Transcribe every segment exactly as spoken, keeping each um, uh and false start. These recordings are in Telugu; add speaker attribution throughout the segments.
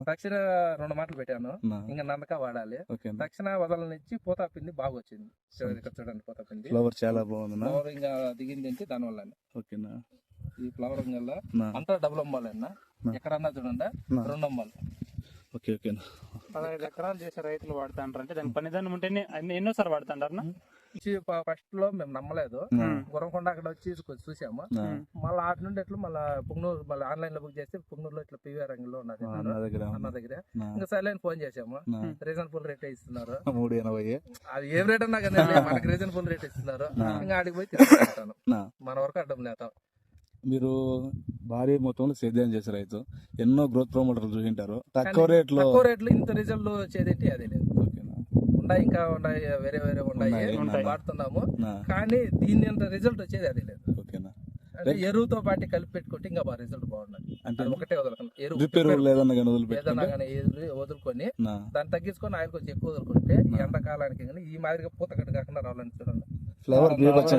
Speaker 1: తక్షణ రెండు మాటలు పెట్టాను, ఇంకా నందక వాడాలి. తక్షణ వదలనిచ్చి పూత పిండి బాగా వచ్చింది. ఇక్కడ చూడండి పూత పిండి
Speaker 2: ఫ్లవర్ చాలా బాగుంది.
Speaker 1: ఫ్లవర్ ఇంకా దిగింది అంటే దాని వల్ల
Speaker 2: ఓకేనా.
Speaker 1: ఈ ఫ్లవర్ వల్ల అంతా డబుల్ అమ్మాలి అన్న, ఎక్కడన్నా చూడండి రెండు అమ్మాలి.
Speaker 2: ఓకే ఓకేనా.
Speaker 3: పదహైదు ఎకరాలు చేసే రైతులు వాడుతా అంటారు అంటే దానికి పనిదానం ఉంటేనే ఎన్నోసారి వాడుతుంటారు.
Speaker 1: ఫస్ట్ లో మేము నమ్మలేదు, గురంకొండ అక్కడ వచ్చి చూసాము. మళ్ళీ ఆటి నుండి ఎట్లా మళ్ళీ పుంగనూరు మళ్ళీ ఆన్లైన్ లో బుక్ చేస్తే పుంగనూరులో ఇట్లా పివి రంగంలో ఉన్నది అన్న దగ్గర. ఇంకా సైలెంట్ ఫోన్ చేసాము, రీజనబుల్ రేట్ ఇస్తున్నారు.
Speaker 2: మూడు ఎనభై
Speaker 1: అది ఏం రేట్ అన్నా కానీ మనకి రీజనబుల్ రేట్ ఇస్తున్నారు. ఇంకా ఆడికి పోయి తీసుకుంటాను, మన వరకు అడ్డం లేదు.
Speaker 2: మీరు భారీ మొత్తంలో సేద్యం చేసే రైతు, ఎన్నో గ్రోత్ ప్రమోటర్లు చూసింటారు. తక్కువ రేట్లో
Speaker 1: తక్కువ రేట్లు ఇంత రిజల్ట్ వచ్చేది అదే లేదు. ఉన్నాయి ఇంకా ఉన్నాయి, వేరే వేరే ఉన్నాయి వాడుతున్నాము, కానీ దీని అంత రిజల్ట్ వచ్చేది అదే లేదు. అంటే ఎరువుతో పాటు కలిపి పెట్టుకుంటే ఇంకా బాగా రిజల్ట్ బాగున్నది. అంటే ఒకటే వదలకుండా ఎరువు ఏదన్నా కానీ వదులుకొని దాన్ని తగ్గించుకొని ఆయిల్ కొంచెం ఎక్కువ వదులుకుంటే ఎండాకాలానికి ఈ మాదిరిగా పూతకట్టు కాకుండా రావాలని చూడండి.
Speaker 2: ఫ్లవర్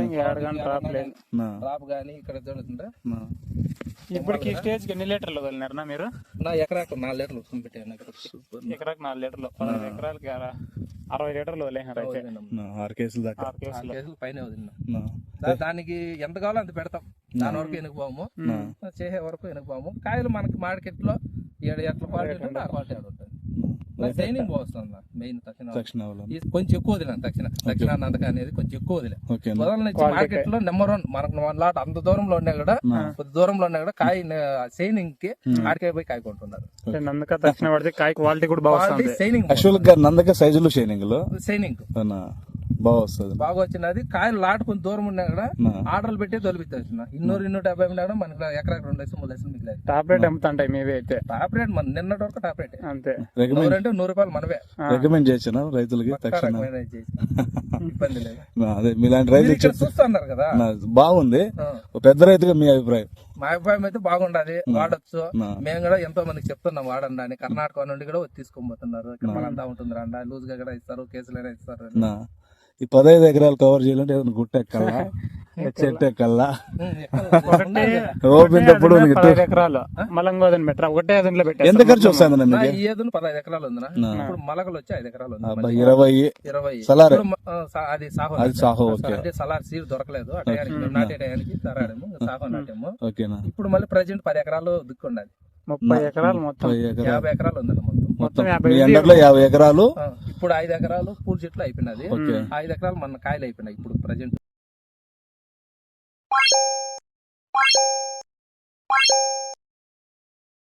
Speaker 1: డ్రాప్ గానీ ఇక్కడ చూడుతుంటే
Speaker 3: ఇప్పటికి స్టేజ్ ఎన్ని లీటర్లు వదిలినారన్నా మీరు?
Speaker 1: నా ఎకరాకు నాలుగు లీటర్లు వస్తుంది పెట్టాను.
Speaker 3: ఎకరాకు నాలుగు లీటర్లు, పదహైదు ఎకరాలకి అరవై లీటర్లు వదిలేనారు. అయితే
Speaker 2: ఆరు కేసులు దాకా
Speaker 1: ఆరు కేసులు పైన వదిలినా. దానికి ఎంత కావాలో అంత పెడతాం, దాని వరకు ఎనుకుపోము, చేసే వరకు ఎనుకుపోము. కాయలు మనకి మార్కెట్ లో ఏడు ఎట్ల క్వాలిటీ ఉంటే ఆ క్వాలిటీ ఆడ ఉంటుంది. ట్రైనింగ్ బాగుంది మెయిన్. తక్షణ కొంచెం ఎక్కువ వదిలేను, తక్షణ తక్షణ నందక అనేది కొంచెం ఎక్కువ వదిలే వదలని మార్కెట్ లో నెంబర్ వన్. మనకు వన్ లాట్ అంత దూరంలో ఉన్నా కూడా కొద్ది దూరంలో ఉన్నా కూడా కాయ సైనింగ్ కి ఆడికాయ పోయి కాయ కొంటున్నారు.
Speaker 3: నందక తక్షణ పడితే కాయ క్వాలిటీ కూడా బాగుంది.
Speaker 1: సైనింగ్
Speaker 2: నందక సైజులు షైనింగ్
Speaker 1: సైనింగ్
Speaker 2: బాగా వస్తుంది,
Speaker 1: బాగా వచ్చినది. కాయలు లాట్ కొంచెం దూరం ఉన్నా కూడా ఆర్డర్లు పెట్టి తొలిపిస్తున్నా. ఇన్నూరు ఇన్నూరు డెబ్బై ఉన్నా కూడా మనకి ఎకరాకి రెండు లక్షలు మూడు లక్షలు మిగిలేదు.
Speaker 3: టాప్ రేట్ అమ్ముతుంటాయి మేవే అయితే.
Speaker 1: టాప్ రేట్ మన నిన్నటి వరకు టాప్ రేట్
Speaker 3: అంతే.
Speaker 1: అంటే నూరు రూపాయలు మనవే
Speaker 2: రికమెండ్ చేసిన రైతులకి.
Speaker 1: ఇబ్బంది లేదు.
Speaker 2: అదే మీలాంటి రైతులు
Speaker 1: చూస్తున్నారు కదా,
Speaker 2: బాగుంది. పెద్ద రైతుగా మీ అభిప్రాయం?
Speaker 1: మా అభిప్రాయం అయితే బాగుండదు, వాడచ్చు. మేము కూడా ఎంతో మందికి చెప్తున్నాం వాడండి అని. కర్ణాటక నుండి కూడా తీసుకొని పోతున్నారు. ఇక్కడ మనంతా ఉంటుంది రండా, లూజ్ గా కూడా ఇస్తారు, కేసులైనా ఇస్తారు.
Speaker 2: ఈ పదహైదు ఎకరాలు కవర్ చేయాలంటే ఏదైనా గుట్ట ఎక్కల్లా, చెట్టు ఎక్కల్లా, ఓపినప్పుడు
Speaker 3: ఎకరాలు మలంగోదని పెట్టరా ఒకటే అదులో పెట్టారు.
Speaker 2: ఎంత ఖర్చు వస్తుంది?
Speaker 1: ఏదో పదహైదు ఎకరాలు ఉందా, ఇప్పుడు మలకలు వచ్చి ఐదు ఎకరాలు ఉంది.
Speaker 2: ఇరవై
Speaker 1: ఇరవై
Speaker 2: సలార్
Speaker 1: అది సాహో.
Speaker 2: అది సాహో.
Speaker 1: అంటే సలార్ సీడ్ దొరకలేదు ఆ టయానికి, నాటే టయానికి తరాడము సాహో నాటేము.
Speaker 2: ఓకేనా.
Speaker 1: ఇప్పుడు మళ్ళీ ప్రజెంట్ పది ఎకరాలు దిక్కుండాలి.
Speaker 3: ముప్పై ఎకరాలు మొత్తం
Speaker 1: యాభై ఎకరాలు ఉంది మొత్తం.
Speaker 3: మొత్తం
Speaker 2: యాభై ఎకరాలు.
Speaker 1: ఇప్పుడు ఐదు ఎకరాలు పూల చెట్లు అయిపోయినది, ఐదు ఎకరాలు మన కాయలు అయిపోయినాయి ఇప్పుడు ప్రజెంట్.